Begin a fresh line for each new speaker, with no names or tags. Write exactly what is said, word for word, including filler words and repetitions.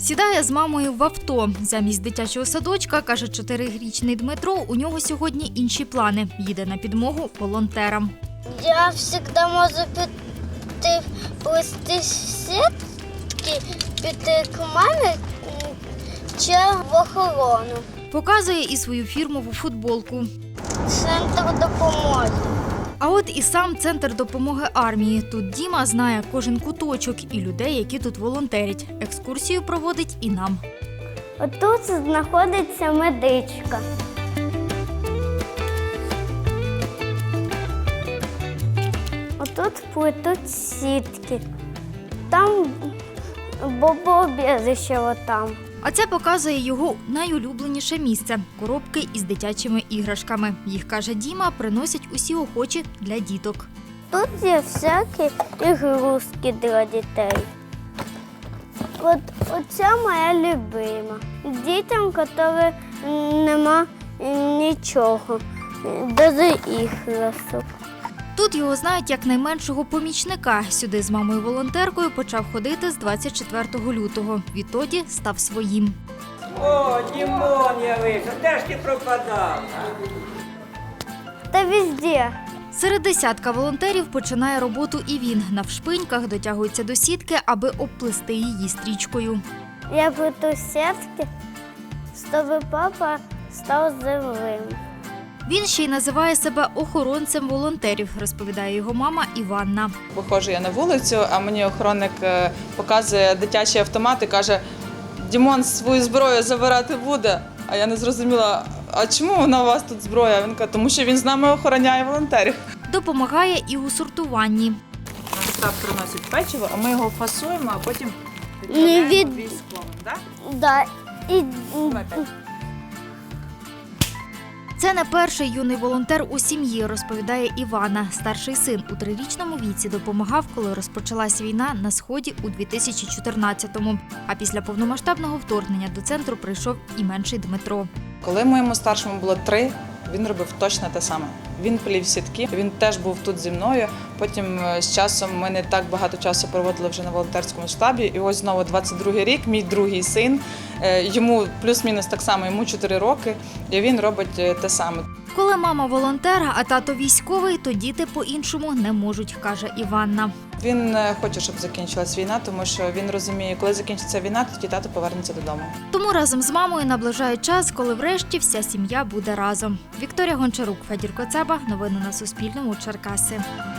Сідає з мамою в авто. Замість дитячого садочка, каже чотирирічний Дмитро, у нього сьогодні інші плани. Їде на підмогу волонтерам.
Я завжди можу піти плести сітки, піти к мамі чи в охорону.
Показує і свою фірмову футболку.
Центр допомоги.
А от і сам центр допомоги армії. Тут Діма знає кожен куточок і людей, які тут волонтерять. Екскурсію проводить і нам.
Отут знаходиться медичка. Отут плетуть сітки. Там бомбоубіжище отам.
А це показує його найулюбленіше місце – коробки із дитячими іграшками. Їх, каже Діма, приносять усі охочі для діток.
Тут є всякі ігрушки для дітей. От оця моя любима. Дітям, яким нема нічого, навіть іграшок.
Тут його знають як найменшого помічника. Сюди з мамою-волонтеркою почав ходити з двадцять четвертого лютого. Відтоді став своїм.
О, Дімон явився, де ж ти пропадав?
Та везде.
Серед десятка волонтерів починає роботу і він. Навшпиньках дотягується до сітки, аби обплести її стрічкою.
Я плету сітки, щоб папа став живим.
Він ще й називає себе охоронцем волонтерів, розповідає його мама Іванна.
Виходжу я на вулицю, а мені охоронник показує дитячий автомат і каже: «Дімон свою зброю забирати буде». А я не зрозуміла, а чому вона у вас тут зброя? Він каже, тому що він з нами охороняє волонтерів.
Допомагає і у сортуванні.
Нам штаб приносить печиво, а ми його фасуємо, а потім
Не від...
військовим. Так?
Да. І...
Це не перший юний волонтер у сім'ї, розповідає Івана. Старший син у трирічному віці допомагав, коли розпочалась війна на Сході у дві тисячі чотирнадцятому. А після повномасштабного вторгнення до центру прийшов і менший Дмитро.
Коли моєму старшому було три, він робив точно те саме. Він плів сітки, він теж був тут зі мною. Потім з часом ми не так багато часу проводили вже на волонтерському штабі. І ось знову двадцять другий рік, мій другий син, йому плюс-мінус так само, йому чотири роки, і він робить те саме.
Коли мама волонтер, а тато військовий, то діти по-іншому не можуть, каже Іванна.
Він хоче, щоб закінчилась війна, тому що він розуміє, коли закінчиться війна, тоді тато повернеться додому.
Тому разом з мамою наближають час, коли врешті вся сім'я буде разом. Вікторія Гончарук, Федір Коцаба. Новини на Суспільному. Черкаси.